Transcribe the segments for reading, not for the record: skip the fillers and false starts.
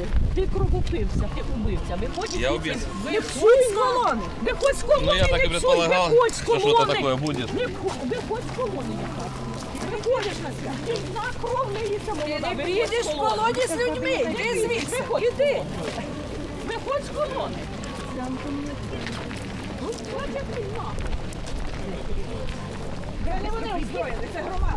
звідси. Ти кровопився, ти убивця. Виходь Я убивця. Виходь з колони. Виходь з колони. Ну я так и предполагал, что что-то такое будет. Виходь з колони. Виходиш на свят. Ти на кров лиється молода. Ти не підеш в колоні з людьми. Йди звідси. Іди. Виходь з колони. Ну, хватить війна. Де не вони озброєні? Це громада.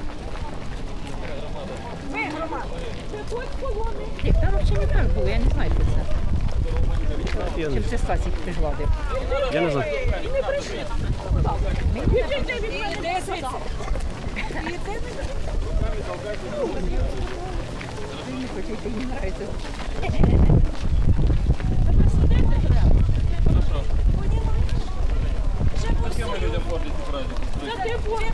Ми громада. Виходь з колони. Там взагалі не так було, я не знаю, що це. Чим це Стасік пригладив. Я не знаю. І не прийшли. Іди від мене. Іди звідси. Іди. Не хочете, їм нравиться. Зачем мы людям портите праздник? Та ти бой.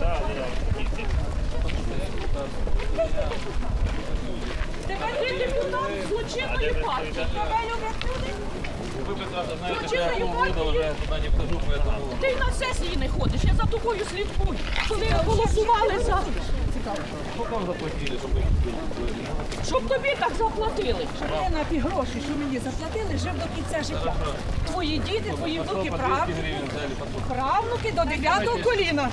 Ти депутат злочинної партії. Тебе люблять люди. Вы прекрасно знаете, что я полгода уже туда не вхожу, поэтому... Ти на сесії не ходиш, я за тобою слідкую. Коли голосували за... Сколько вам заплатили, чтобы... Щоб тобі так заплатили. Я на ті гроші, що мені заплатили, жив до кінця життя. Твої діти, твої внуки, По 200 гривен взяли, по 100. правнуки до 9-го коліна.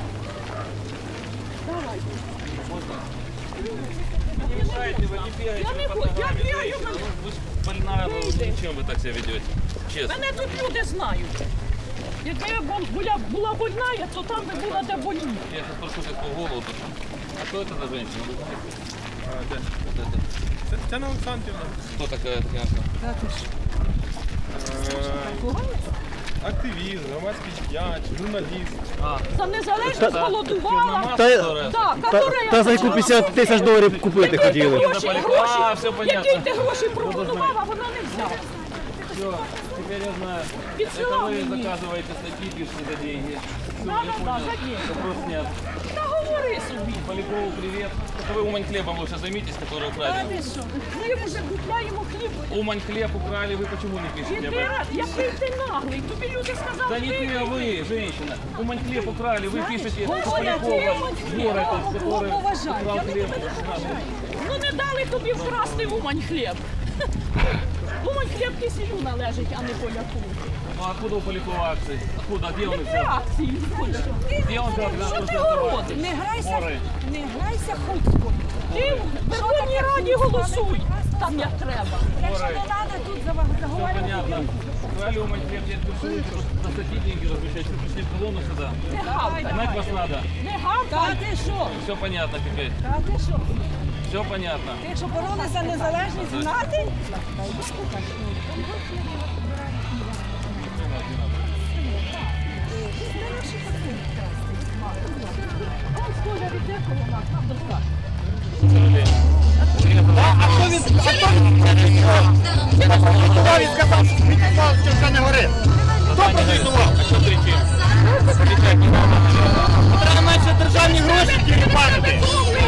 Не мешайте, вы не бегаете. Я не по хочу, я ногам, бегаю, ну, вы ж больная, ну, зачем вы так себя ведете? Честно. Мене тут люди знають. Якби я була больна, то там би була де больні. Я сейчас спрошу сейчас по голову. А что это за женщина? Вы знаете? Тетяна Олександрівна, Кто такая Татьяна? активіст, громадський діяч, журналіст. За незалежність голодувала. Та за яку 50 тисяч доларів купити хотіли. А, все понятно. Які ти гроші пропонував, а вона не взяла. Все, теперь я знаю. Підсилав Это вы мені. заказываете статьи, пишете за деньги. Все, Да, я да, понял. за деньги. Вопрос снят. Та говори собі. Полякову привет. Только вы Умань хлебом лучше займитесь, который украли. Ми вже купляємо хліб. Умань хлеб украли, вы почему не пишете об Іди, этом? який ти наглий. Тобі люди сказали. Да не ты, а вы, женщина. Умань хлеб украли, вы пишете, что Говорят, Полякова Умань хлеб. вор этот, который Поважаю, украл я хлеб. Ну не дали тобі вкрасти Умань хліб. Умань хліб кисілю належить, а не Поляку. Ну откуда у Полякова акции? Откуда? Где он взял? Реакції. Где он взял? Що ти городиш? Не грайся хутко. Ти в Верховній Раді голосуй. Там як треба. Якщо не треба тут Все заговорювати. понятно. Украли Умань хлеб, я теперь на статьи деньги размещать, что пришли в колонну сюда. Не гавкай. Знать вас надо. Не Та гавкай. ти що? Все понятно теперь. Та ти що? Все понятно. Ти якщо боролися за незалежність знати? Хто відказав, що вже не горить? Хто прозвітував? А что кричим? Треба менше державні гроші пам'ятати.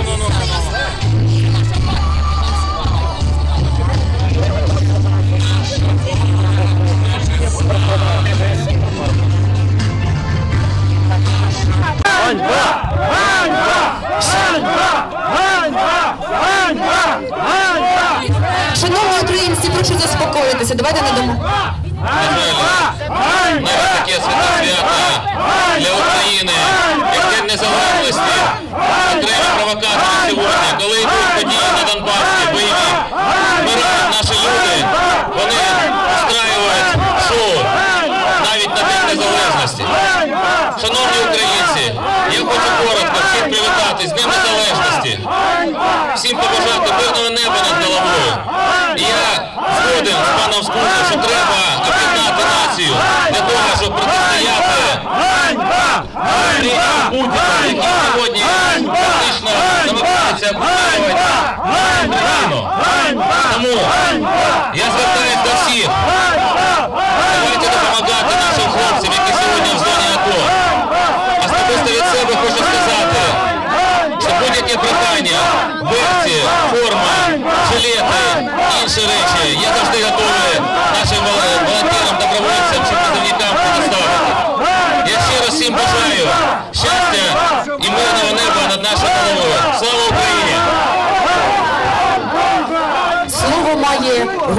Ганьба! Ганьба! Ганьба! Ганьба! Ганьба! Ганьба! Шановні українці, прошу заспокоїтися. Давайте не дамо. Навіть таке свято для України, як День Незалежності, окремі провокатори сьогодні, коли йдуть події на Донбасі, бойові, вмирають наші люди, вони устраюють шоу навіть на День Незалежності. Шановні українці, я хочу коротко всіх привітати з Днем Незалежності, всім побажати мирного неба над головою. І я згоден з паном Скунзом, що треба об'єднати націю для того, щоб протистояти Путіна, який сьогодні фактично намагається об'єднувати Україну. Тому